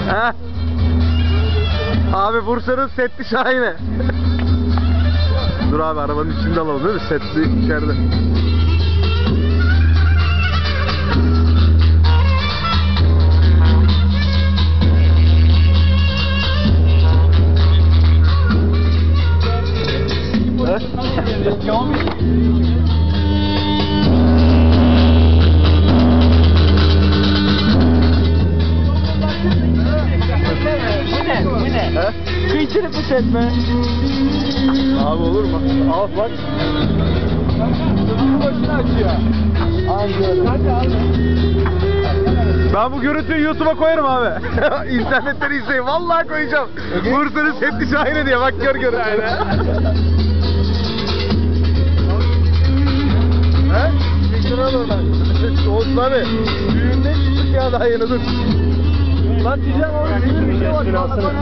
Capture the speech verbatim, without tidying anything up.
He? Abi Bursa'nın setli şahine. Dur abi arabanın içinde alalım değil mi? Setli içeride. Kıyçılık mı setme? Abi olur mu? Al bak. Başını açıyor. Aynen. Hadi abi. Ben bu görüntüyü YouTube'a koyarım abi. İnternetten izleyin. Vallahi koyacağım. Bursa'nın setli şahine diye. Bak gör gör. He? Çektin al oradan. Olsun abi. Düğünde çıktık ya daha yeni dur. Lan diyeceğim orada.